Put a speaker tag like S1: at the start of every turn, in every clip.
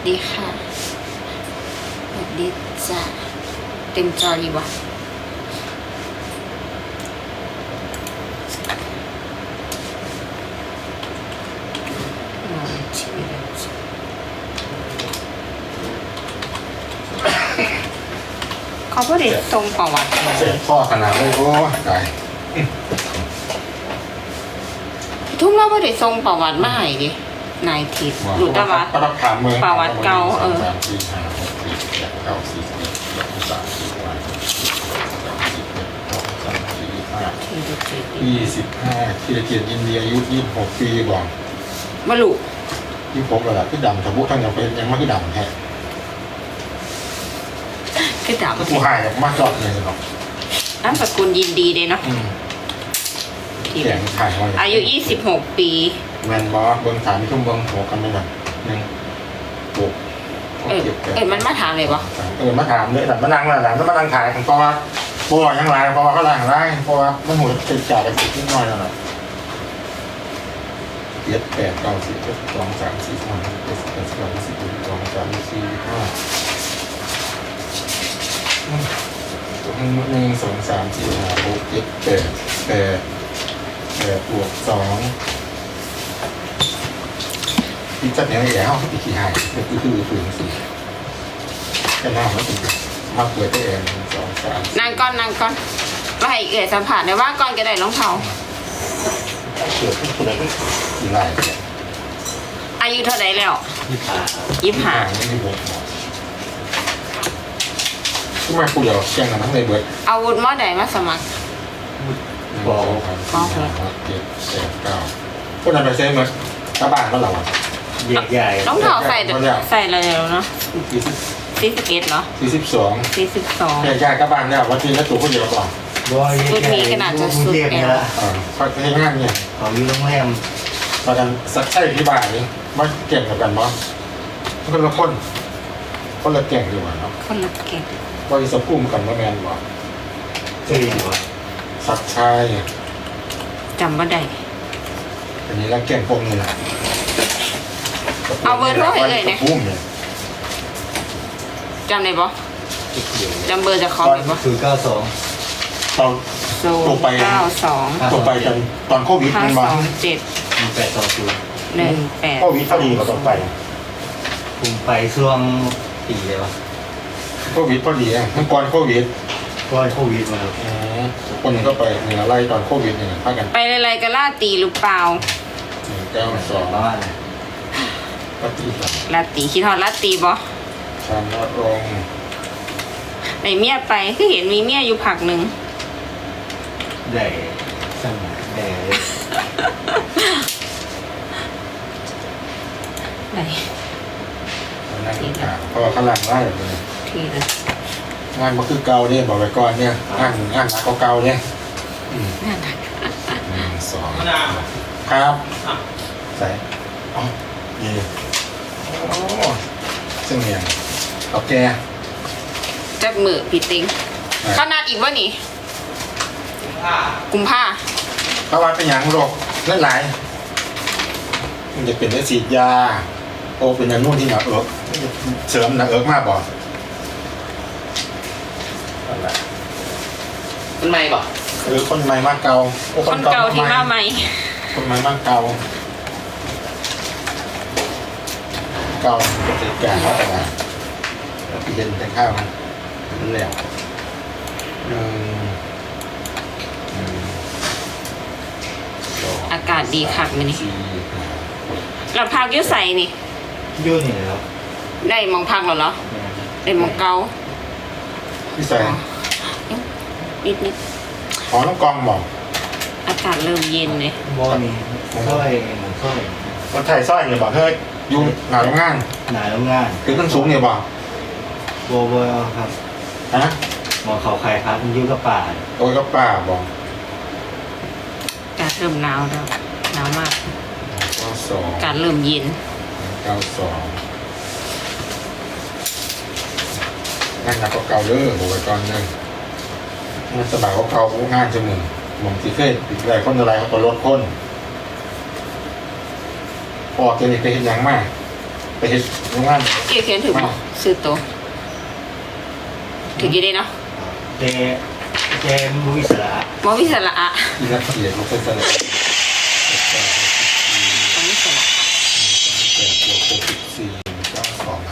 S1: ดีค่ะสวัสดีจ้ะเต็มจอดีวะเขาก็ได้ทรงประวัติ
S2: เสียข้อขนาดเลยโอ้ตาย
S1: ทุ่มเราก็ได้ทรงประวัติมาให้ดินายทิพย์หลุดตะวัด
S2: ก็ต้องถามเมือง
S1: ประวัติเก่า
S2: 3 4 5 6 7 8 9 10 11 12 13 14 15 25ที่เกียรติยินดีอายุ26 ปีบอก
S1: มาลุ
S2: 26แล้วล่ะคือดำทะบุทั้งยังเป็นยังไม่คือดำแท้
S1: คือดาบ
S2: ก็ผู้หายมาจอดเลยเนาะ
S1: น้ำสกุลยินดีเลยเนาะ
S2: เสียงถ่ายไว้
S1: อายุ26 ปี
S2: แมนบอสเบิ้ง3 ทุ่มเบิ้งหัวกันไม่หนัก1 6
S1: มันมาถามเลยปะ
S2: มาถามเลยแต่มานั่งแล้วหลังก็มานั่งถ่ายเพราะว่ายังไรเพราะว่าเขาล่างไรเพราะว่ามันหัวติดจ่ายไปนิดหน่อยแล้วนะ7 8 9 10 12 13 14 15 16 17 18 19 20 21 22 23 24 25 1 2 3 4 5 6 7 8 8 บวก2ที่จัดเนี่ยแย่เขาติดขี้หายคือฝืนสิแค่หน้ามันติดมาเปิดได้เอง2 3
S1: นางก้อนไปให้เอ๋ยสัมผัสได้ว่าก้อนก็ได้รองเท้า
S2: เปิดทุกคนเลยกี่ไร่เนี่ย
S1: อายุเท่าไหร่แล้ว25
S2: ไม่ได้บวกทำไมกูเดี๋ยวแจ้งกันทั้งในเบิร์ด
S1: อาวุธมอใดมาสมัคร
S2: บอก7 8 9คนนั้นไปเซ็นมั้ยกระบาดก็เราอ่ะ
S3: ใหญ่
S1: รองเท้าใส่อะไรแล้วเนาะ41เหรอ
S2: 42
S1: 42
S2: ใหญ่กระบาดเนี่ยวันที่แล้วตัวคนเดียวก่อน
S1: ชุดนี้ขนาดจะสุด
S3: เนี่ยละ
S2: เขาใช้งานเนี่ย
S3: เขาอยู่โรงแรม
S2: มากันสักใช่ที่บ้านนี่มาเก่งกับกันมั้งคนละคนละเก่งดีกว่าเนาะ
S1: คนละเก่ง
S2: ว่าจะพุ่มกันว่าแมนบ่
S3: เจียวะ
S2: สักชาย
S1: จำบ่ได้
S2: อันนี้แล้วเก่งพวกนี้นะ
S1: เอาเบอร์โทรให้เลยเนี่ย
S2: พุ่มเนี่ย
S1: จำได้ปะจำเบอร์จะคอม
S2: ตอน
S1: ได้ปะ
S3: คือ92
S2: ตอน
S1: 092
S2: ตัวไปกันตอนโควิดมันมา
S1: 527
S3: 1820
S2: โควิดพอดีก็ต้องไป
S3: ผมไปช่วงปีเลยวะ
S2: โควิดพอดีเมื่อก่อนโควิด
S3: ก็โควิดมาครับ
S2: คนหนึ่งก็ไปเนี่ยไล่ตอนโควิดเนี่ยพากัน
S1: ไปอะไรกันล่าตีหรือเปล่า
S2: 192
S3: บ้าน
S2: ปฏิบัติ
S1: ลาตีคิดฮอดลาตีบ่
S2: ชามนรงค์
S1: ไหนเมียไปคือเห็นมีเมียอยู่ผักหนึ่ง
S3: ได้สมัยได้
S1: ไหน
S2: นั่งข่าวเพราะว่าข้างหลังไล่แบบนี้
S1: ทีละ
S2: งานมันคือเก่าเนี่ยบอกไปก่อนเนี่ยงานหนักก็เก่าเนี่ย
S1: นั่นน่ะ
S2: 1 2ครับใส่อ๋อนี่โอ้ซึ่งเนี่ยเอาแก
S1: จักมือพี่ติงเขานัดอีกว่านี่กุมภา
S2: เพราะว่าเป็นอย่างโรคเลือดไหลมันจะเป็นเลือดฉีดยาโอเป็นอย่างนู่นที่หนักเอิกเสริมหนักเอิกมากบ่อะไร
S1: คนใหม่บ่
S2: คนใหม่มากเก่า
S1: คนเก่าที่มาใหม่
S2: คนใหม่มากเก่าเก่าเป็นแก่แล้วแต่ว่าเย็นแต่ข้าวมันแล้ว
S1: อากาศดีคักมื้อนี้
S2: 4
S1: เราพักอยุ่ใส่นี่
S3: ยุ่นี่ครับ
S1: ได้หมองพักแล้วเหรอได้หมองเก่า
S2: พี่ใส่
S1: นิด
S2: ขอน้องกองบอก
S1: อากาศเริ่มเย็นเลย
S3: บ่มีสร้อยเหมือนสร้อย
S2: คนไทยสร้อยเนี่ยบอกเฮ้ยยุ่งหนาโรงงาน
S3: หนาโรงงาน
S2: คือต้นสูงเนี่ยบอก
S3: บัวครับ
S2: ฮะ
S3: หมอเขาไข่ครับมันยุ่กับป่า
S2: โอ้ยก็ป้าบอก
S1: อากาศเริ่มหนาวแล้วหนาวมาก
S2: 92
S1: อากาศเริ่มเย็น
S2: งานหนักก็เก่าเด้อบอกไปก่อนเลยงานสบายก็เก่างานจะมึงมองที่เคยติดอะไรคนอะไรเขาก็ลดคนพอจะนี่ไปเห็นยังมากไปเห็นโรงงาน
S1: เกี่ยวเขียนถึงบอกซื้อตัวถึงกี่ได้เนาะ
S3: แกมุ้ยสระ
S1: มอวิสระอะ
S2: ที่รักเกียรติมันเป็นสลับ
S1: มอวิสระ
S2: แต่ตัวโควิด492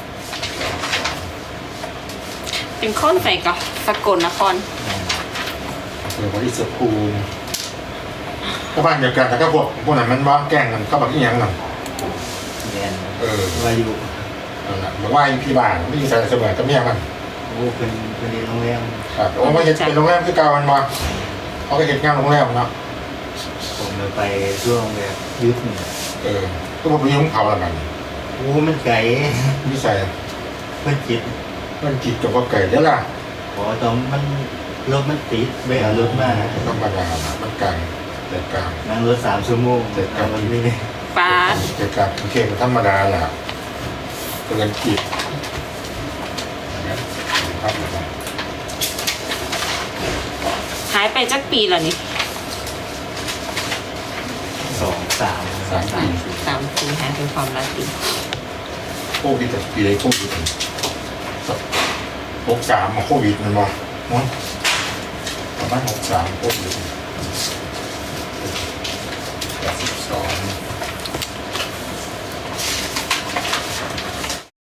S1: เป็นค้นใส่กับสกลนคร
S2: หรือว่าอิสภูมิก็บ้านเดียวกันแต่ก็พวกนั้นมันว่าแกล้งกันก็แบบอีหยังนั่น
S3: แกนวายุ
S2: นั่นแหละบอกว่าพี่บ้านไม่อยู่ใส่เสมอก็เมียมัน
S3: โอ้เป็นเรียนโรงแรม
S2: ครับโอ้ไม่เป็นโรงแรมคือเก่ามันมาเขาก็เห็นงานโรงแรมเนาะ
S3: ผมเลยไปช่วงแบบยุทธเนี่ย
S2: ก็บอกไปยุ่งเขาแล้วกัน
S3: โอ้มันไก่
S2: พี่ใส่
S3: มันจิต
S2: มันจิตกับว่าไก่เดี๋ยวล่ะ
S3: ขอตอนมันรถมันติดไม่เอารถมา
S2: ธรรมดามันกลางแต่กลาง
S3: นั่งรถ3 ชั่วโมงเอามันนี่
S1: ปลา
S2: แต่กลางโอเคมันธรรมดาแหละเกินจิตครับ
S1: หายไปจักปีแล้วนี่
S3: 2 3
S2: 3 ปี
S1: 3 ปีหายเป็นความรักดี
S2: โควิดแต่ปีไหนโควิด63มาโควิดมันมาประมาณ63โควิด